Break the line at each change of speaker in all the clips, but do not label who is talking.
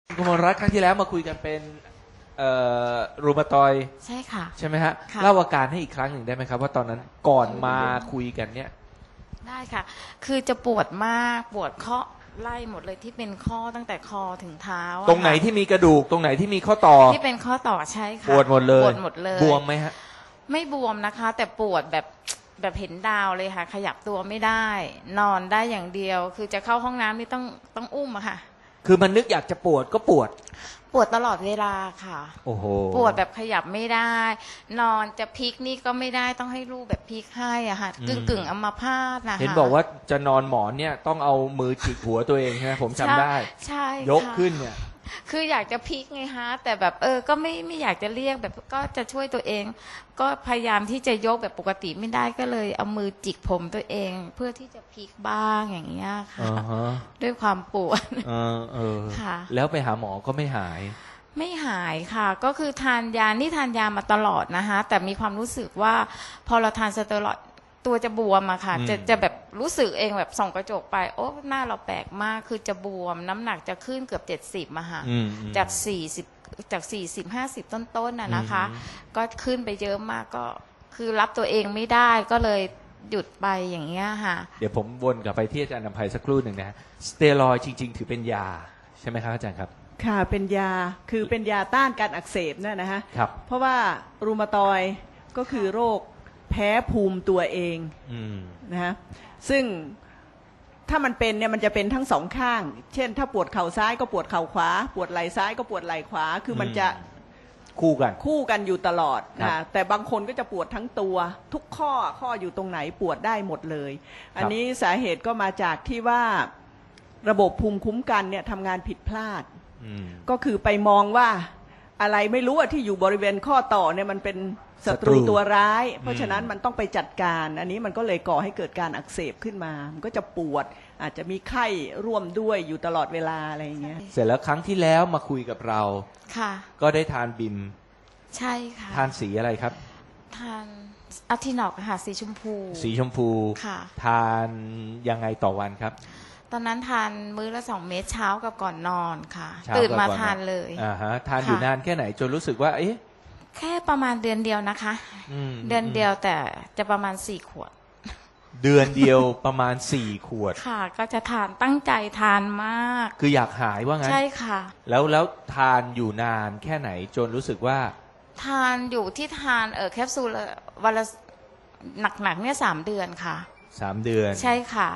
คุณมรรัตน์ครั้งที่แล้วมาคุยกันเป็นรูมาตอยด์
ใช่ค่ะ
ใช่ไหมฮะ
ค่ะ
เล่าอาการให้อีกครั้งหนึ่งได้ไหมครับว่าตอนนั้นก่อนมาคุยกันเนี่ย
ได้ค่ะคือจะปวดมากปวดข้อไล่หมดเลยที่เป็นข้อตั้งแต่คอถึงเท้า
ตรงไหนที่มีกระดูกตรงไหนที่มีข้อต่อ
ที่เป็นข้อต่อใช่ค่ะ
ปวดหมดเลย
ปวดหมดเลย
บวมไหมฮะ
ไม่บวมนะคะแต่ปวดแบบเห็นดาวเลยค่ะขยับตัวไม่ได้นอนได้อย่างเดียวคือจะเข้าห้องน้ำนี่ต้องอุ้มอะค่ะ
คือมันนึกอยากจะปวดก็ปวด
ตลอดเวลาค่ะ
โอ้โห
ปวดแบบขยับไม่ได้นอนจะพลิกนี่ก็ไม่ได้ต้องให้ลูกแบบพลิกให้อะค่ะกึ่งอัมพาตนะคะ
เห็นบอกว่าจะนอนหมอนเนี่ยต้องเอามือจิกหัวตัวเองใช่ไหมผมจำได้
ใช่
ยกขึ้นเนี่ย
คืออยากจะพลิกไงฮะแต่แบบก็ไม่อยากจะเรียกแบบก็จะช่วยตัวเองก็พยายามที่จะยกแบบปกติไม่ได้ก็เลยเอามือจิกผมตัวเองเพื่อที่จะพลิกบ้างอย่างเงี้ยค่ะด้วยความปวดค่ะ
แล้วไปหาหมอก็ไม่หาย
ไม่หายค่ะก็คือทานยามาตลอดนะคะแต่มีความรู้สึกว่าพอเราทานสเตียรอยด์ตัวจะบวมอะค่ะจะแบบรู้สึกเองแบบส่องกระจกไปโอ้หน้าเราแปลกมากคือจะบวมน้ำหนักจะขึ้นเกือบ70อะค่ะจาก40-50ต้นๆน่ะนะคะก็ขึ้นไปเยอะมากก็คือรับตัวเองไม่ได้ก็เลยหยุดไปอย่างเงี้ยค่ะ
เดี๋ยวผมวนกลับไปที่อาจารย์นภัยสักครู่หนึ่งนะสเตียรอยด์จริงๆถือเป็นยาใช่ไหมครับอาจารย์ครับ
ค่ะเป็นยาคือเป็นยาต้านการอักเสบนั่นนะฮะ
ครับ
เพราะว่ารูมาตอยด์ก็คือโรคแพ้ภูมิตัวเองนะฮะซึ่งถ้ามันเป็นเนี่ยมันจะเป็นทั้งสองข้างเช่นถ้าปวดเข่าซ้ายก็ปวดเข่าขวาปวดไหล่ซ้ายก็ปวดไหล่ขวาคือมันจะ
คู่กัน
อยู่ตลอดนะแต่บางคนก็จะปวดทั้งตัวทุกข้ออยู่ตรงไหนปวดได้หมดเลยอันนี้สาเหตุก็มาจากที่ว่าระบบภูมิคุ้มกันเนี่ยทำงานผิดพลาดก็คือไปมองว่าอะไรไม่รู้ที่อยู่บริเวณข้อต่อเนี่ยมันเป็นศัตรูตัวร้ายเพราะฉะนั้นมันต้องไปจัดการอันนี้มันก็เลยก่อให้เกิดการอักเสบขึ้นมามันก็จะปวดอาจจะมีไข้ร่วมด้วยอยู่ตลอดเวลาอะไรอย่างเงี้ย
เสร็จแล้วครั้งที่แล้วมาคุยกับเรา
ค่ะ
ก็ได้ทานบิม
ใช่ค่ะ
ทานสีอะไรครับ
ทานอะทินอกค่ะสีชมพู
ค่ะทานยังไงต่อวันครับ
ตอนนั้นทานมื้อละ2 เม็ดเช้ากับก่อนนอนค่ะตื่นมาทานเลย
ทานอยู่นานแค่ไหนจนรู้สึกว่าเอ๊ะ
แค่ประมาณเดือนเดียวนะคะเดือนเดียวแต่จะประมาณ4 ขวด
เดือนเดียวประมาณ4 ขวด
ค่ะก็จะทานตั้งใจทานมาก
คืออยากหายว่างั้น
ใช่ค่ะ
แล้วทานอยู่นานแค่ไหนจนรู้สึกว่า
ทานอยู่ที่ทานแคปซูลวันละหนักๆเนี่ย3 เดือนค่ะ
3 เดือน
ใช่ค่ะ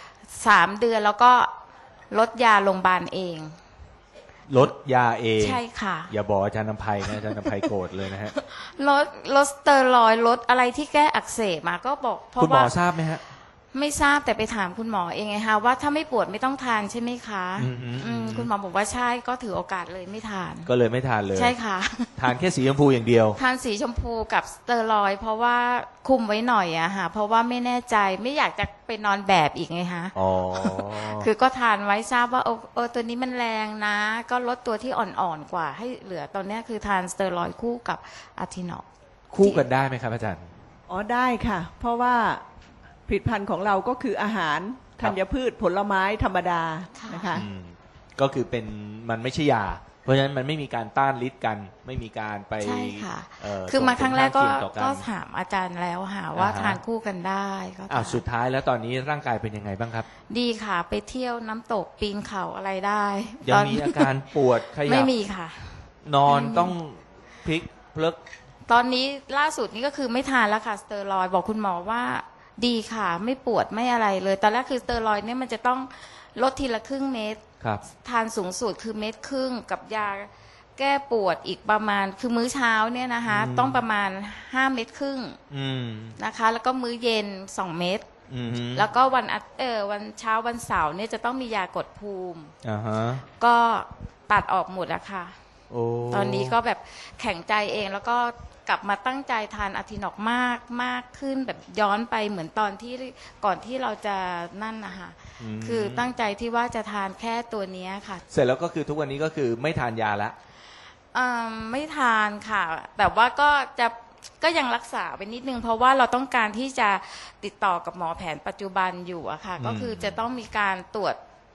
3 เดือนแล้วก็ลดยาโรงพยาบาลเอง
ลดยาเอง
ใช่ค่ะ
อย่าบอกอาจารย์นภัยนะอาจารย์นภัยโกรธเลยนะฮะ
ลดสเตียรอยด์ลดอะไรที่แก้อักเสบมาก็บอกเพราะว่า
คุณหมอทราบไหมฮะ
ไม่ทราบแต่ไปถามคุณหมอเองไงคะว่าถ้าไม่ปวดไม่ต้องทานใช่ไหมคะคุณหมอบอกว่าใช่ก็ถือโอกาสเลยไม่ทาน
ก็เลยไม่ทานเลย
ใช่ค่ะ
ทานแค่สีชมพูอย่างเดียว
ทานสีชมพูกับสเตียรอยด์เพราะว่าคุมไว้หน่อยอะค่ะเพราะว่าไม่แน่ใจไม่อยากจะไปนอนแบบอีกไงคะคือก็ทานไว้ทราบว่าตัวนี้มันแรงนะก็ลดตัวที่อ่อนๆกว่าให้เหลือตอนนี้คือทานสเตียรอยด์คู่กับอะทินอก
คู่กันได้ไหมครับอาจารย์
ได้ค่ะเพราะว่าผลิตภัณฑ์ของเราก็คืออาหารธัญพืชผลไม้ธรรมดานะคะ
ก็คือเป็นมันไม่ใช่ยาเพราะฉะนั้นมันไม่มีการต้านฤทธิ์กันไม่มีการไป
ใช่ค่ะคือมาครั้งแรกก็ถามอาจารย์แล้วหาว่าทานคู่กันได้ก็
สุดท้ายแล้วตอนนี้ร่างกายเป็นยังไงบ้างครับ
ดีค่ะไปเที่ยวน้ำตกปีนเขาอะไรได้
ยังมีอาการปวดขยับ
ไม่มีค่ะ
นอนต้องพลิกเพลิก
ตอนนี้ล่าสุดนี้ก็คือไม่ทานแล้วค่ะสเตียรอยด์บอกคุณหมอว่าดีค่ะไม่ปวดไม่อะไรเลยตอนแรกคือสเตียรอยด์เนี่ยมันจะต้องลดทีละครึ่งเม็ดทานสูงสุดคือ1 เม็ดครึ่งกับยาแก้ปวดอีกประมาณคือมื้อเช้าเนี่ยนะคะต้องประมาณ5 เม็ดครึ่งนะคะแล้วก็มื้อเย็น2 เม็ดแล้วก็วันเช้าวันเสาร์เนี่ยจะต้องมียากดภูมิก็ตัดออกหมดอะค่ะตอนนี้ก็แบบแข็งใจเองแล้วก็กลับมาตั้งใจทานอะทินอกมากขึ้นแบบย้อนไปเหมือนตอนที่ก่อนที่เราจะนั่นนะคะคือตั้งใจที่ว่าจะทานแค่ตัวนี้ค่ะ
เสร็จแล้วก็คือทุกวันนี้ก็คือไม่ทานยาละ
ไม่ทานค่ะแต่ว่าก็ยังรักษาไปนิดนึงเพราะว่าเราต้องการที่จะติดต่อกับหมอแผนปัจจุบันอยู่อะค่ะก็คือจะต้องมีการตรวจ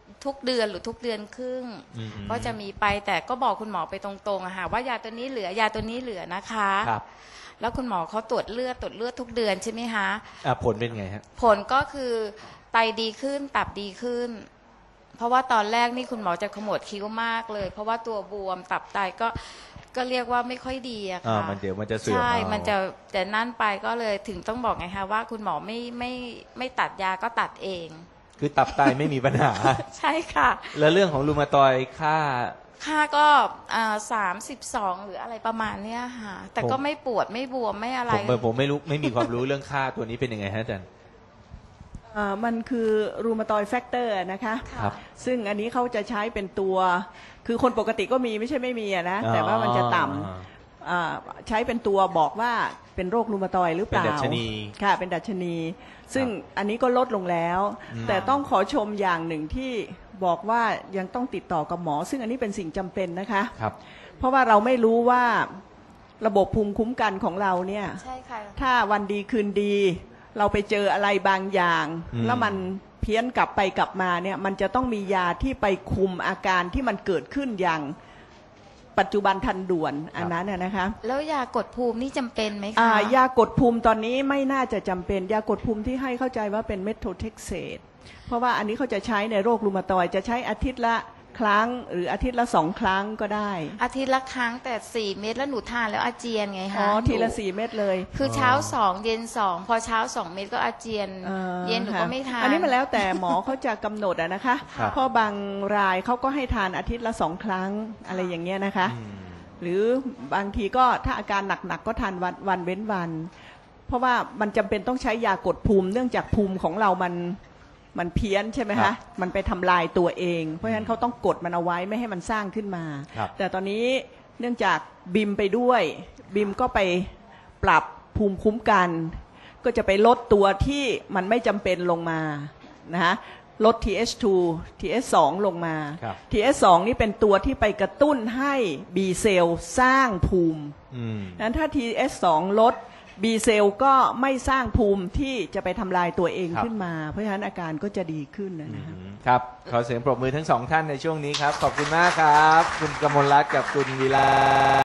ทุกเดือนหรือทุกเดือนครึ่ง
อืม
ก็จะมีไปแต่ก็บอกคุณหมอไปตรงๆอะค่ะว่ายาตัวนี้เหลือยาตัวนี้เหลือนะคะ
ครับ
แล้วคุณหมอเขาตรวจเลือดทุกเดือนใช่ไหมคะ
ผลเป็นไงฮะ
ผลก็คือไตดีขึ้นตับดีขึ้น เพราะว่าตอนแรกนี่คุณหมอจะขมวดคิ้วมากเลย เพราะว่าตัวบวมตับไตก็เรียกว่าไม่ค่อยดีอะค่ะ
มันเดี๋ยวมันจะเสื่อม
ใช่
เอา
มันจะแต่นั่นไปก็เลยถึงต้องบอกไงคะว่าคุณหมอไม่ตัดยาก็ตัดเอง
คือตับไตไม่มีปัญหา
ใช่ค่ะ
แล้วเรื่องของรูมาตอยด์ค่า
ก็32หรืออะไรประมาณเนี้ยค่ะแต่ก็ไม่ปวดไม่บวมไม่อะไร
ผมไม่รู้ไม่มีความรู้เรื่องค่าตัวนี้เป็นยังไงฮะอาจารย์
มันคือรูมาตอยด์แฟกเตอร์นะคะ
ครับ
ซึ่งอันนี้เขาจะใช้เป็นตัว คือคนปกติก็มีไม่ใช่ไม่มีอะนะ แต่ว่ามันจะต่ำใช้เป็นตัวบอกว่าเป็นโรครูมาตอยด์หรือเปล่า
เป็นดัชนี
ค่ะเป็นดัชนี ซึ่งอันนี้ก็ลดลงแล้ว แต่ต้องขอชมอย่างหนึ่งที่บอกว่ายังต้องติดต่อกับหมอ ซึ่งอันนี้เป็นสิ่งจำเป็นนะคะ
ครับ
เพราะว่าเราไม่รู้ว่าระบบภูมิคุ้มกันของเราเนี่ย
ใช่ค่ะ
ถ้าวันดีคืนดี เราไปเจออะไรบางอย่าง แล้วมันเพี้ยนกลับไปกลับมาเนี่ยมันจะต้องมียาที่ไปคุมอาการที่มันเกิดขึ้นอย่างปัจจุบันทันด่วนอันนั้นน่ะนะคะ
แล้วยากดภูมินี่จำเป็นไหมคะ
ยากดภูมิตอนนี้ไม่น่าจะจำเป็น ยากดภูมิที่ให้เข้าใจว่าเป็นเมทโทเท็กเซตเพราะว่าอันนี้เขาจะใช้ในโรครูมาตอยด์จะใช้อาทิตย์ละครั้งหรืออาทิตย์ละ2 ครั้งก็ได้
อาทิตย์ละครั้งแต่4 เม็ดแล้วหนูทานแล้วอาเจียนไงคะ
ทีละ
หนู
4 เม็ดเลย
คือเช้า2เย็น2พอเช้า2 เม็ดก็อาเจียน เย็นหนูก็ไม่ทาน
อันนี้มันแล้วแต่หมอเขาจะกำหนดอะนะคะ
ครับ
เพราะบางรายเขาก็ให้ทานอาทิตย์ละ2 ครั้งอะไรอย่างเงี้ยนะคะ หรือบางทีก็ถ้าอาการหนักๆก็ทานวันเว้นวัน เพราะว่ามันจำเป็นต้องใช้ยากดภูมิ เนื่องจากภูมิของเรามันเพี้ยนใช่ไหม
ครั
คะ
บ
มันไปทำลายตัวเอง เพราะฉะนั้นเขาต้องกดมันเอาไว้ไม่ให้มันสร้างขึ้นมา
ครับ
แต่ตอนนี้เนื่องจากบิมไปด้วยบิมก็ไปปรับภูมิคุ้มกัน ก็จะไปลดตัวที่มันไม่จำเป็นลงมานะคะลด TH2 TH2 ลงมา
ครับ
TH2 นี่เป็นตัวที่ไปกระตุ้นให้ B เซลล์สร้างภูมิ นั้นถ้า TH2 ลด B เซลล์ก็ไม่สร้างภูมิที่จะไปทำลายตัวเอง
ครับ
ขึ้นมา เพราะฉะนั้นอาการก็จะดีขึ้นนะคะ
ครับ ขอเสียงปรบมือทั้งสองท่านในช่วงนี้ครับ ขอบคุณมากครับ คุณกมลรัตน์กับคุณวิลา